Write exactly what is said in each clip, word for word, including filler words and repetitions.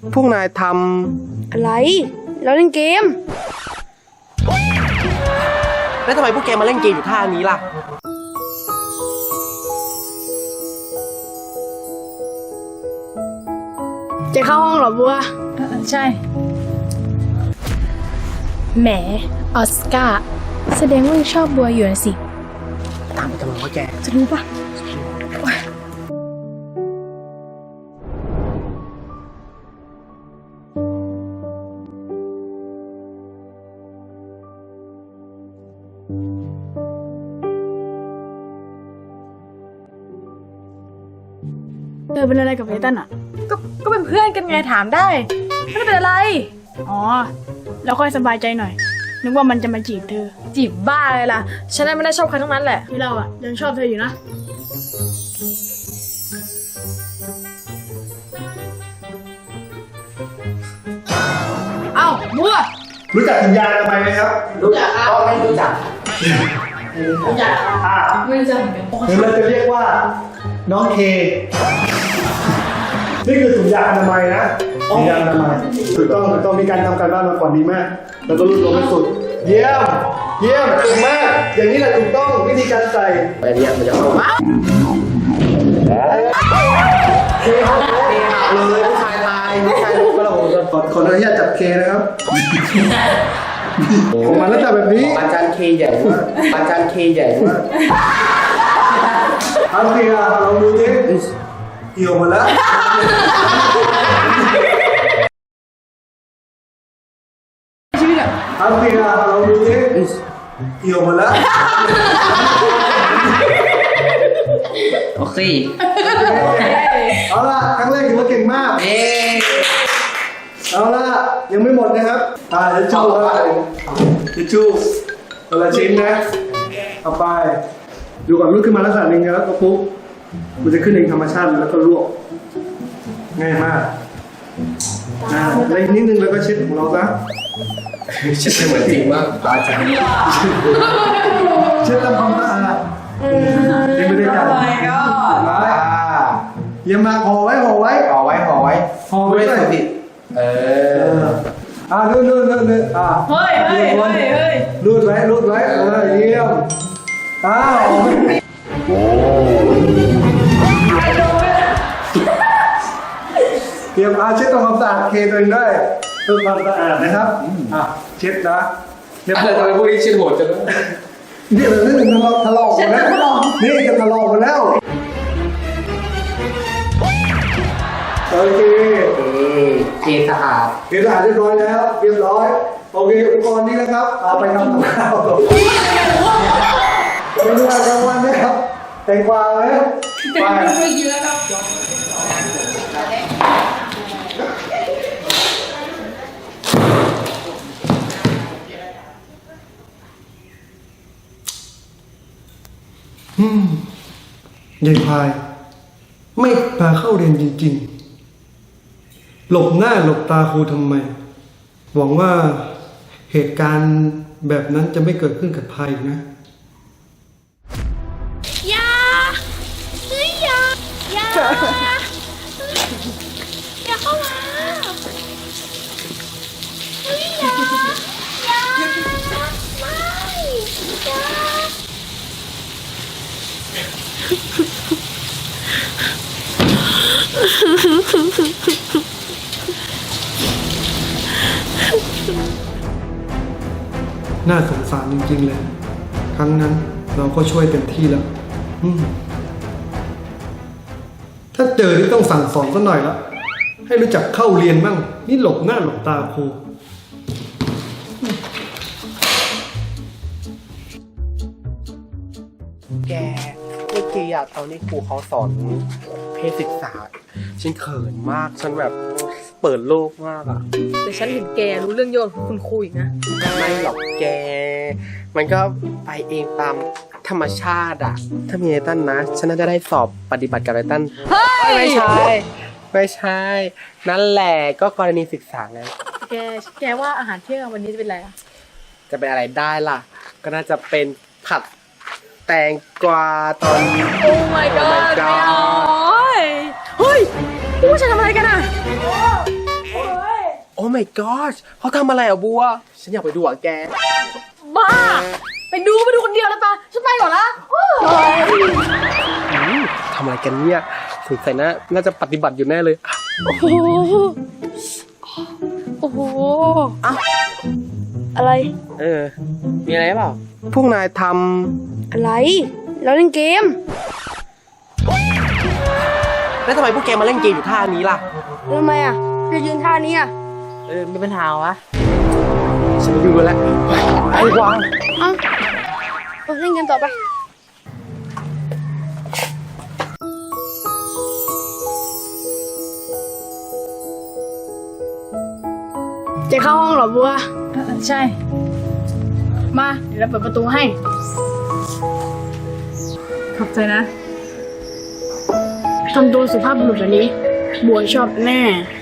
พวกนายทอะไรเราเล่นเกมำแล้วทำไมพวกแกมาเล่นเกมอยู่ท่านี้ล่ะจะเข้าห้องเหรอบัวใช่แหมออสการ์แสดงว่ายังชอบบัวอยู่นะสิตามไปทำไมวะแกจะรู้ปะเธอเป็นอะไรกับไอตันอ่ะก็ก็เป็นเพื่อนกันไงถามได้ไม่ได้เป็นอะไรอ๋อแล้วค่อยสบายใจหน่อยนึกว่ามันจะมาจีบเธอจีบบ้าเลยล่ะฉันไม่ได้ชอบใครทั้งนั้นแหละที่เราอ่ะยังชอบเธออยู่นะเอ้าบัวรู้จักสัญญาณทำไมไหมครับรู้จักครับไม่รู้จักรู้จักอ่าไม่รู้จักเหมือนกันหรือเราจะเรียกว่าน้องเคนี่คือถุงยางอนามัยนะถุงยางอนามัยถูกต้องถูกต้องมีการทำการบ้านมาก่อนดีมากแล้วก็รู้ตัวไม่สุดเยี่ยมเยี่ยมถูกมากอย่างนี้แหละถูกต้องวิธีการใส่อันนี้มันจะเข้ามาเคครับเคเลยผู้ชายตายผู้ชายรู้ก็เราขอขออนุญาตจับเคนะครับของมันแล้วจับแบบนี้อาจารย์เคใหญ่มากอาจารย์เคใหญ่มากเอาเคอะเราดูดิเกี่ยวหมดแล้วชีวิตอะเอาเคอะเราดูดิเกี่ยวหมดแล้วโอเคเอาล่ะครั้งแรกถือว่าเก่งมากเอ๊เอาล่ะยังไม่หมดนะครับอ่าจะชูครับจะชูคนละชิ้นนะเอาไปดูก่อนลุกขึ้นมาลักษณะหนึ่งแล้วก็ปุ๊บมันจะขึ้นเองธรรมชาติแล้วก็ลวกง่ายมากนะแล้วอีกนิดนึงแล้วก็เช็ดของเราซะเช็ดเหมือนจริงมากอาจารย์เช็ดทำความสะอาดยังไม่ได้กันยังมาห่อไว้ห่อไว้ห่อไว้ห่อไว้ห่อไว้ด้วยสิเอออ่านู่นนู่นนู่นนู่นอ่าเฮ้ยเฮ้ยเฮ้ยเฮ้ยรูดไว้รูดไว้เออเยี่ยมอ้าวโอ้เตรียมอาเช็ดทำความสะอาดเคตัวเองด้วยเพื่อความสะอาดนะครับอ่ะเช็ดนะเดี๋ยวทำไมพวกนี้เช็ดโหดจังนี่เราเรื่องทะเลาะทะเลาะหมดแล้วนี่จะทะเลาะหมดแล้วโอเคเออเคสะอาดเคสะอาดเรียบร้อยแล้วเรียบร้อยโอเคอุปกรณ์นี้นะครับเอาไปทำกับข้าวเป็นเวลากลางวันนะครับแตงกวาไหมไปเยอะครับอืมยายพายไม่พาเข้าเรียนจริงๆหลบหน้าหลบตาครูทำไมหวังว่าเหตุการณ์แบบนั้นจะไม่เกิดขึ้นกับพายนะอย่าเฮ้ยอย่าอย่าอย่าเข้ามาเฮ้ยอย่าอย่าไม่อย่าน่าสงสารจริงๆเลยครั้งนั้นเราก็ช่วยเต็มที่แล้วถ้าเจอที่ต้องสั่งสอนสักหน่อยละให้รู้จักเข้าเรียนบ้างนี่หลบหน้าหลบตาครูแกเมื่อกี้อะตอนนี้ครูเขาสอนเพศศึกษาฉันเขินมากฉันแบบเปิดโลกมากอะแต่ฉันเห็นแกรู้เรื่องโยนของคุณครูอีกนะไม่หรอกแกมันก็ไปเองตามธรรมชาติอะถ้ามีไอตันนะฉันน่าจะได้สอบปฏิบัติกับไอตันไม่ใช่ไม่ใช่นั่นแหละก็กรณีศึกษาไงแกแกว่าอาหารเที่ยงวันนี้จะเป็นอะไรอะจะเป็นอะไรได้ล่ะก็น่าจะเป็นผัดแตงกวาตอนนี้โอ้ my god ไม่เอาเฮ้ยพวกฉันทำอะไรกันอ่ะ my god เขาทำอะไรอ่ะบัว ฉันอยากไปดูอ่ะแกบ้า ไปดูไปดูคนเดียวเลยปะฉันไปก่อนละโอ้ยอืมทำอะไรกันเนี่ยสงสัยนะน่าจะปฏิบัติอยู่แน่เลยโอ้โห โอ้โหอ้าวอะไรเออ มีอะไรเปล่า พวกนายทอะไร เราเล่นเกมำแล้วทำไมพวกแกมาเล่นเกมอยู่ท่านี้ล่ะทำไมอ่ะจะยืนท่านี้อ่ะเออมีปัญหาวะ ฉันไม่ดูแล้วไอ้วางเอ้าเออเล่นเกมต่อไป จะเข้าห้องเหรอบัวใช่ มาเดี๋ยวเราเปิดประตูให้ ขอบใจนะทำตัวสุภาพบุรุษแบบนี้ บัวชอบแน่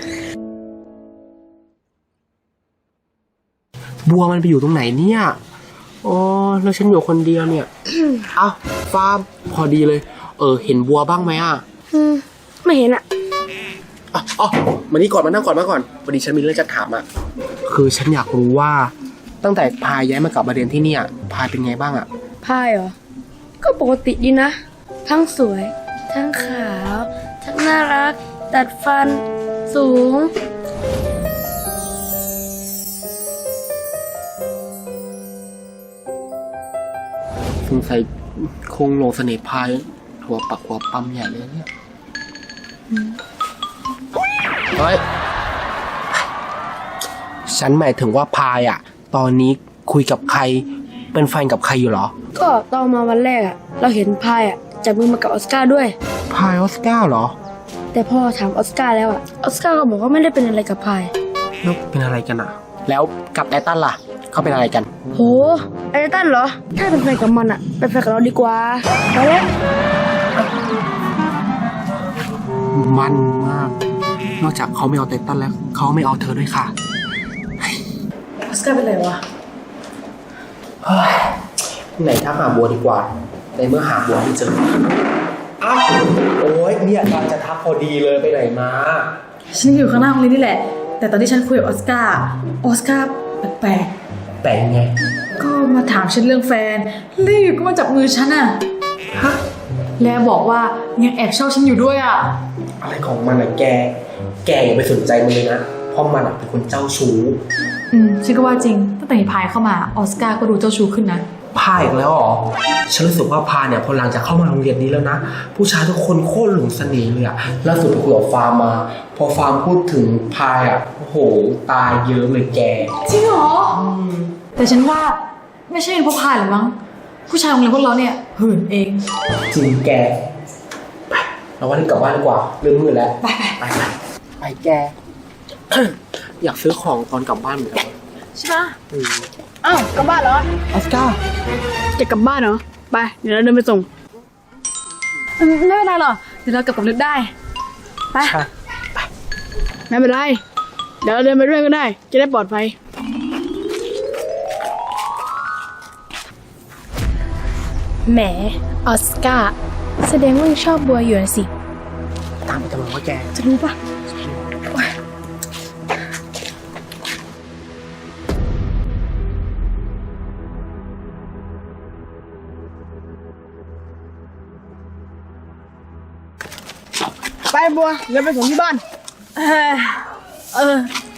บัวมันไปอยู่ตรงไหนเนี่ย อ๋อ แล้วฉันอยู่คนเดียวเนี่ย เอ้าฟาร์มพอดีเลย เออ เห็นบัวบ้างไหมอ่ะอืม ไม่เห็นอ่ะอ๋ออ๋อมานี่ก่อนมานั่งก่อนมาก่อนพอดีฉันมีเรื่องจะถามอ่ะ คือฉันอยากรู้ว่าตั้งแต่พายย้ายมากลับมาเรียนที่เนี่ยพายเป็นไงบ้างอ่ะพายเหรอ ก็ปกติดีนะ ทั้งสวย ทั้งขาว ทั้งน่ารัก ดัดฟัน สูงสงสัยคงหลงเสน่ห์พายหัวปักหัวปั๊มใหญ่เลยเนี่ยเฮ้ย ฉันหมายถึงว่าพายอ่ะ ตอนนี้คุยกับใคร เป็นแฟนกับใครอยู่เหรอก็ตอนมาวันแรกอ่ะ เราเห็นพายอ่ะจับมือมากับออสการ์ด้วยพายออสการ์เหรอแต่พอถามออสการ์แล้วอ่ะ ออสการ์ก็บอกว่าไม่ได้เป็นอะไรกับพายแล้วเป็นอะไรกันอ่ะ แล้วกับไอตันล่ะ เขาเป็นอะไรกันโห ไอ้ตั้นเหรอ ถ้าเป็นแฟนกับมันอ่ะ เป็นแฟนกับเราดีกว่าไปแล้วมันมาก นอกจากเขาไม่เอาไททันแล้วเขาไม่เอาเธอด้วยค่ะออสการ์เป็นไรวะเฮ้ยไหนถ้าหาบัวดีกว่า ในเมื่อหาบัวไม่เจอ อ้าว โอ๊ยเนี่ยตอนจะทักพอดีเลยไปไหนมาฉันอยู่ข้างหน้าโรงเรียนนี่แหละ แต่ตอนที่ฉันคุยกับออสการ์ ออสการ์แปลกแต่ไงๆ ก็มาถามฉันเรื่องแฟนแล้วอยู่ก็มาจับมือฉันอะฮะ แล้วบอกว่ายังแอบชอบฉันอยู่ด้วยอะอะไรของมันอะแก แกอย่าไปสนใจมันเลยนะ เพราะมันอะเป็นคนเจ้าชู้อืมฉันก็ว่าจริง ตั้งแต่พายเข้ามาออสการ์ก็ดูเจ้าชู้ขึ้นนะพายอีกแล้วเหรอ ฉันรู้สึกว่าพายเนี่ยพอหลังจากเข้ามาโรงเรียนนี้แล้วนะ ผู้ชายทุกคนโคตรหลงเสน่ห์เลยอะล่าสุดไปคุยกับฟาร์มมา พอฟาร์มพูดถึงพายอะโอ้โห ตายเยอะเลยแกจริงเหรอ แต่ฉันว่าไม่ใช่เพราะพายหรือมั้ง ผู้ชายโรงเรียนพวกเราเนี่ยหื่นเองจริงแก ไป เราว่ารีบกลับบ้านดีกว่าเริ่มมืดแล้วไปไปไปไปไปแก อยากซื้อของตอนกลับบ้านเหมือนกันใช่ปะอืมอ้าวกลับบ้านเหรอออสการ์จะกลับบ้านเหรอ ไป เดี๋ยวเราเดินไปส่งอืมไม่เป็นไรหรอกเดี๋ยวเรากลับกับลึกได้ ไปใช่ไม่เป็นไร เดี๋ยวเราเดินไปด้วยก็ได้ จะได้ปลอดภัยแหม ออสการ์ แสดงว่ายังชอบบัวอยู่นะสิตามไปทำไมวะแกจะรู้ปะไปบัว เดี๋ยวไปส่งที่บ้านเออเออ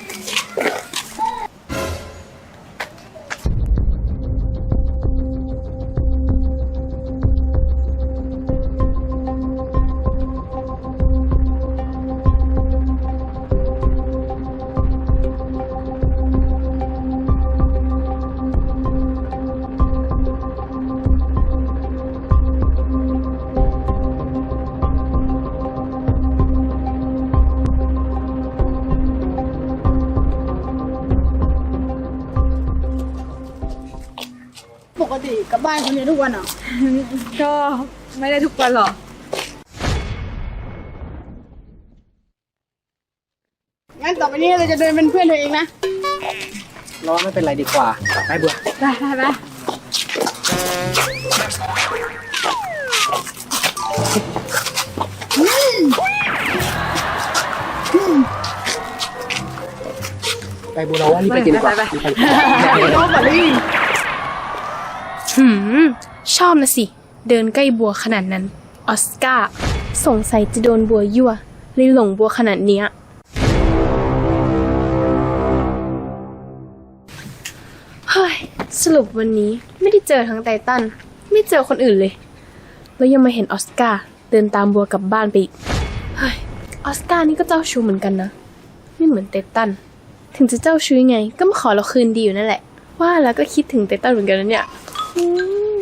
ปกติกลับบ้านคนเดียวทุกวันเหรอก็ไม่ได้ทุกวันหรอกงั้นต่อไปนี้เราจะเดินเป็นเพื่อนเธอเองนะรอไม่เป็นไรดีกว่า ไปบัวไปไปไปเไปบูเราว่ารีบไปกินดีกว่าไปไปรีบไปโน้ตบอลลี่หืม ชอบนะสิ เดินใกล้บัวขนาดนั้น ออสการ์สงสัยจะโดนบัวยั่วเลยหลงบัวขนาดเนี้ยเฮ้ย สรุปวันนี้ไม่ได้เจอทั้งไททันไม่เจอคนอื่นเลย แล้วยังมาเห็นออสการ์เดินตามบัวกลับบ้านไปอีก เฮ้ย ออสการ์นี่ก็เจ้าชู้เหมือนกันนะ ไม่เหมือนไททันถึงจะเจ้าชู้ยังไง ก็มาขอเราคืนดีอยู่นั่นแหละ ว่าแล้วก็คิดถึงไททันเหมือนกันนะเนี่ยอืม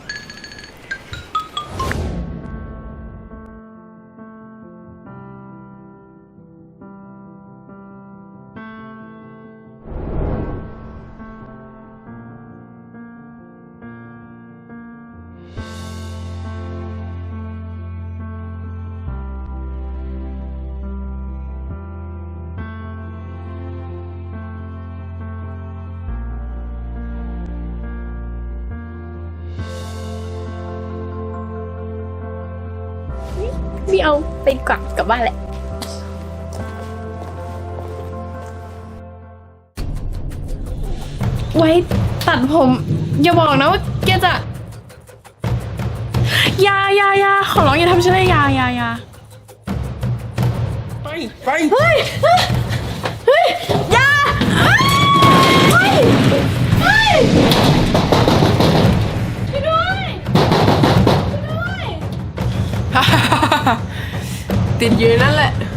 ไม่เอาไปดีกว่ากลับบ้านแหละ ไว้ตัดผม อย่าบอกนะว่าแกจะอยาอยาอยาขอร้องอย่าทำฉันเลยอยาอยาอยาไปไปเฮ้ยเฮ้ยเฮ้ยอยาเฮ้ยเฮ้ยเฮ้ยช่วยด้วยช่วยด้วยติดอยู่ในนั่นแหละ